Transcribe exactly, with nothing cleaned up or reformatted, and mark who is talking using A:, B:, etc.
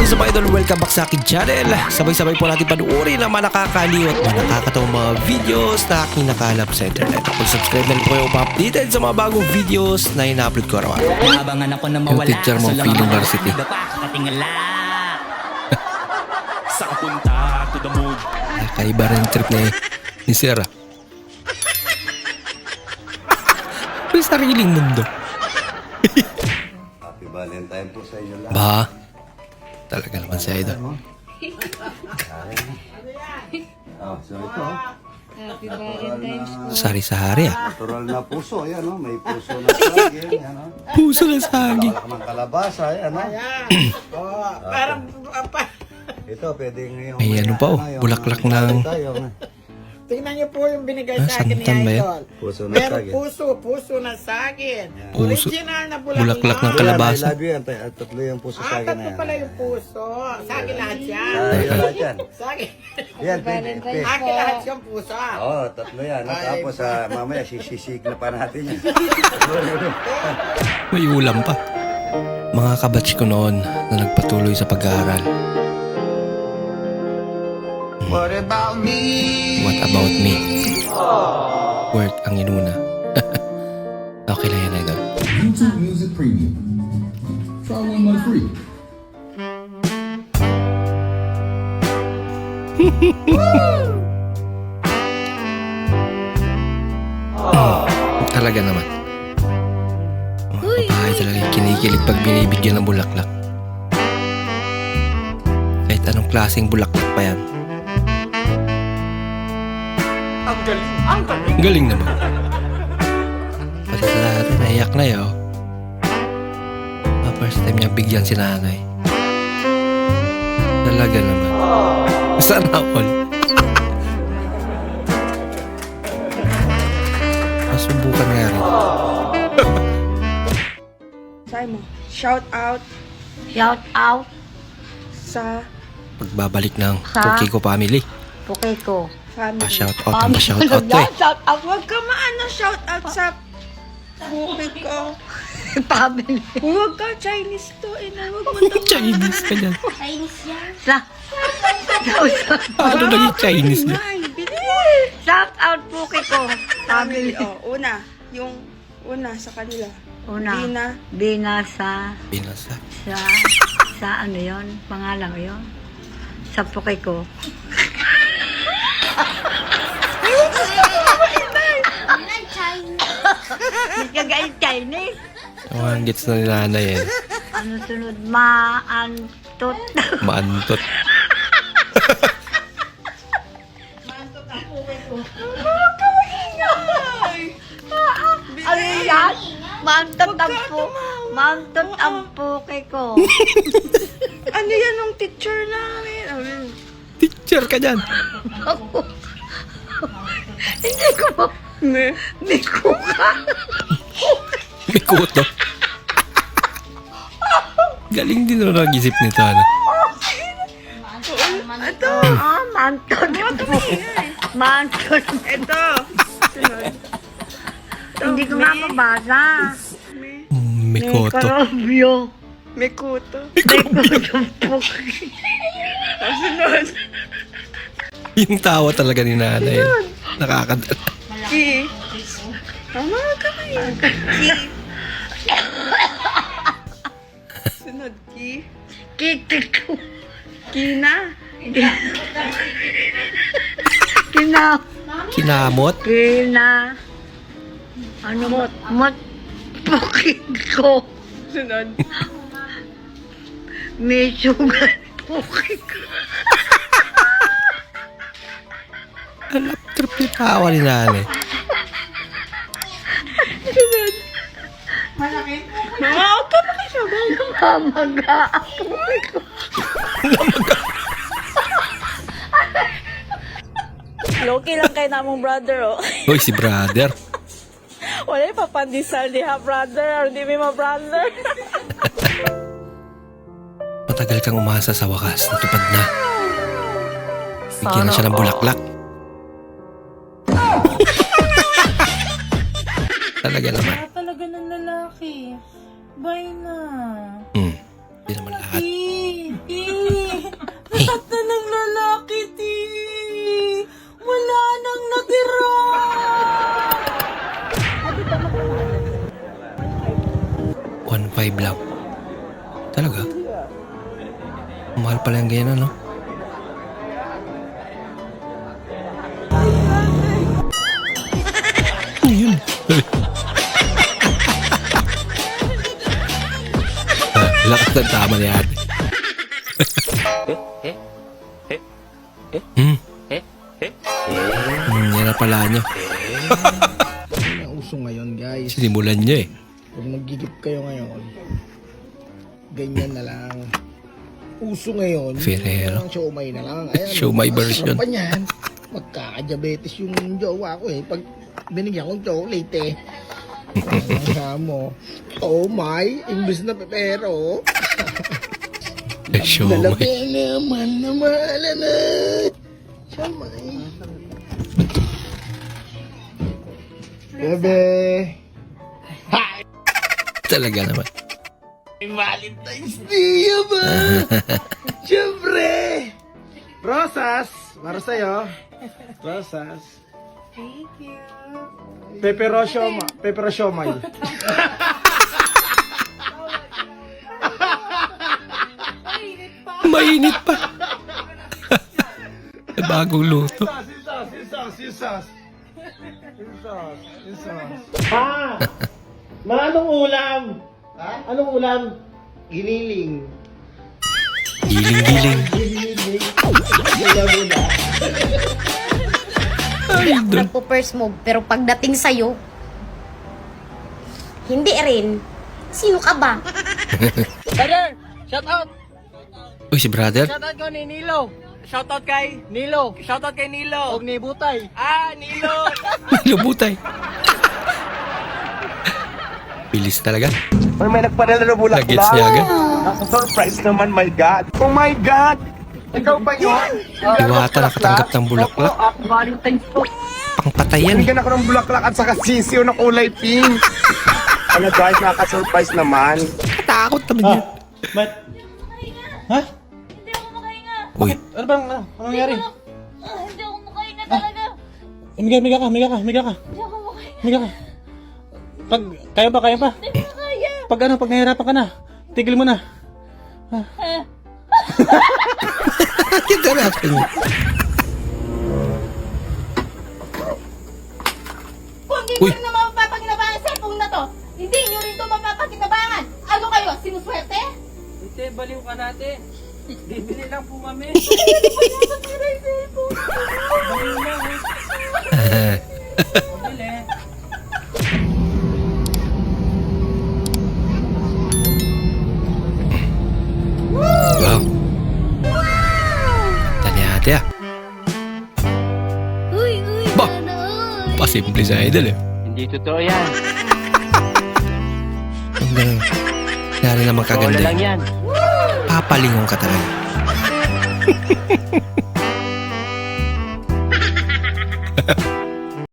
A: is up, idol? Welcome back sa akin channel. Sabay-sabay po natin panuorin ang mga nakakaliw at mga nakakatawang mga videos na aking nakalap sa internet. Kung subscribe na rin po kayo pa-updated sa mga bagong videos na ina-upload ko araw.
B: Habangan ako na mawala.
A: Yung teacher mo, feeling varsity.
B: Katingala. Sa punta to the mood.
A: Kaiba rin yung trip ni, ni Sir. May sariling mundo.
C: Happy Valentine po sa inyo lahat.
A: Ba? Talaga naman si Idol.
C: Oh, so ito.
D: Happy Valentine's.
A: Sari-sari ah.
C: Natural na puso. Ayan, oh. May puso na saging. Ayan, oh.
A: Puso na saging.
C: Kalak ng kalabasa. Ayan, oh.
E: Oh, parang apa.
C: Ito, pwedeng yung...
A: May ano pa, oh,
C: yung-
A: bulaklak
C: yung-
A: ng-
C: tayo, oh.
E: Tingnan niyo po yung binigay
A: Ah,
E: sa akin ni
A: santan ba yan?
E: Idol.
C: Puso na
E: Meron
C: saging.
E: puso, puso na saging.
A: Puso.
E: Original na bulaklak.
A: Bulaklak ng
C: Ayan,
A: kalabasa.
C: I love you yan. Tay- Tatlo yung puso
E: Ah,
C: saging na
E: tatlo
C: yan.
E: pala yung puso. Saging lahat yan.
C: Ah, yun lahat yan.
E: Saging.
C: Yan, pwede. pwede.
E: Akin lahat yung puso.
C: Oo, oh, tatlo yan. ah. Tapos ah, mamaya sisisig na pa natin yan.
A: May ulam pa. Mga kabatch ko noon na nagpatuloy sa pag-aaral.
B: What about me?
A: What about me? Work ang inuna. Okay lang yan, Idol.
F: YouTube Music Premium. Try one month free.
A: Talaga naman. Mga babae talaga yung kinikilig pag binibigyan ng bulaklak. Kahit anong klaseng bulaklak pa yan.
B: Ang galing. Ang galing.
A: Ang galing naman. Pati sa dati, naiyak na yun. Ah, first time niya bigyan si nanay. Talaga naman. Sana all. Masubukan nga rin.
G: Sabi mo, shout out
D: Shout out
G: sa
A: Pagbabalik ng
D: Sa-
A: Pokiko family.
D: Pukiko.
G: family.
A: Pa-shout out ang pa-shout out to eh.
D: Shout out
G: Huwag ka maano shout out sa bukid ko.
D: family.
G: Huwag ka, Chinese to. Ina, huwag mo to.
A: Chinese ka dyan.
D: Sa
A: Paano naging Chinese niya?
G: Ay, bilis.
D: Shout out Pukiko.
G: Family.
D: Family.
G: Oh, una. Yung una sa kanila.
D: Una.
G: Dina.
D: Bina sa
A: Pinasa.
D: sa sa ano yon? Pangalan ko yon? Sa Pukiko. Hindi ka guys Chinese.
A: Ang gets na ni nanay eh.
D: Ano sunod? Maantot.
A: Maantot.
D: Ano yan? Maantot ang po. Maantot ang Pukiko.
G: Ano yan ng teacher namin? Ano yun?
A: Teacher ka dyan.
D: Hindi ko ma...
G: Ne?
D: Hindi ko ka.
A: May kuto. Galing din na nag-isip nito. Ano?
G: Ito.
D: Ah, maantot. Maantot.
G: Ito. Sunod.
D: Hindi ko nga mabasa.
A: Mm, May kuto.
D: Karobyo.
G: May kuto.
D: May kutong Pukiko.
G: Sunod.
A: Yung tawa talaga ni nanay. Nakakadala.
G: Ki. Tama ka ngayon. Ki. Sunod, Ki.
D: Kitiko.
G: Kina.
D: Kina.
A: Kinamot.
D: Kina. Ano mot? Mot. Pukiko.
G: Sunod.
D: May sugar. Pukiko.
A: Alap trip yung tawa ni nanay.
G: Mga auto na kayo sabay.
D: Mamaga. Pukiko.
H: Loki lang kay namong brother, oh.
A: Uy, si brother.
H: Wala yung papandisal di ha, brother, or di mo brother.
A: Matagal kang umasa sa wakas. Natupad na. Bigyan na siya ng bulaklak. Talaga naman.
H: Ah, talaga ng lalaki. Bye na.
A: Hmm. Hindi naman lahat.
H: Eh, eh.
A: Mahal pala yung ganyan, no? Ano yun? Ah, lakas ng tama ni ate. Hmm. Hmm, yan na pala nyo.
I: Ang uso ngayon, guys.
A: Sinimulan nyo eh.
I: Pag nagigip kayo ngayon, ganyan na lang. Uso ngayon,
A: Ferrero.
I: yung siomay na lang. Ayan,
A: Siomay
I: ang
A: version.
I: sarap pa niyan. Magkaka-diabetes yung jowa ko eh. Pag binigyan kong chocolate eh. Ang mo, oh my, imbes na pepero.
A: Siomay.
I: Lalaki naman na mahala na. Siomay. Bebe.
A: Talaga naman.
I: Valentine's Day ba? Siyempre! Rosas! Para sa'yo. Rosas.
G: Thank you.
I: Pepero sioma. Pepero siomay.
A: Mainit pa. Bagong luto.
I: Sisas, sisas, sisas. Sisas, sisas. Ha? Ma, anong ulam? Ha? Anong ulam? Giniling.
A: Giling-giling.
I: Giniling. Ulam mo na.
A: Ay, doon.
J: Nagpo-first move, pero pagdating sa'yo, hindi rin. Sino ka ba?
E: Brother, shout out.
A: Uy, si brother.
E: Shout out ko ni Nilo. Shout out kay Nilo. Shout out kay Nilo. Og ni Butay. Ah, Nilo.
A: Lubutay. Bilis talaga.
B: May may nagpadala na bulaklak.
A: Nag-gets niya agad.
B: Surprise naman, my God. Oh my God. Ikaw ba yun?
A: Diwata nakatanggap ng bulaklak.
E: Valentine's po.
A: Pangpatayan eh.
B: Bigyan ako ng bulaklak at saka sisiw na kulay pink. Ano guys, nakaka-surprise naman.
A: Takot naman yun.
G: Hindi ako makahinga.
A: Uy,
I: Ano bang, ano? Anong nangyari?
G: Ah, hindi ako makahinga talaga.
I: Miga, miga ka, miga ka, miga ka.
G: Hindi ako makahinga.
I: Miga ka. Pag, kaya ba, kaya ba?
G: Hindi ko kaya.
I: Pag ano, pag nahihirapan ka na, tigil mo na.
A: yung ganapan niya.
G: Kung hindi
A: Uy.
G: nyo rin na mapapakinabangan ang cellphone na to, hindi nyo rin to mapapakinabangan. Ano kayo, sinuswerte?
E: Ate, baliw ka natin. Bibili lang po kami.
A: Wow. Tani ate ah.
G: Uy, uy,
A: Ba? Pasimple sa idol eh.
E: Hindi totoo yan.
A: Ang ganun. Nari naman kaganda.
E: yan.
A: Papalingong ka talaga.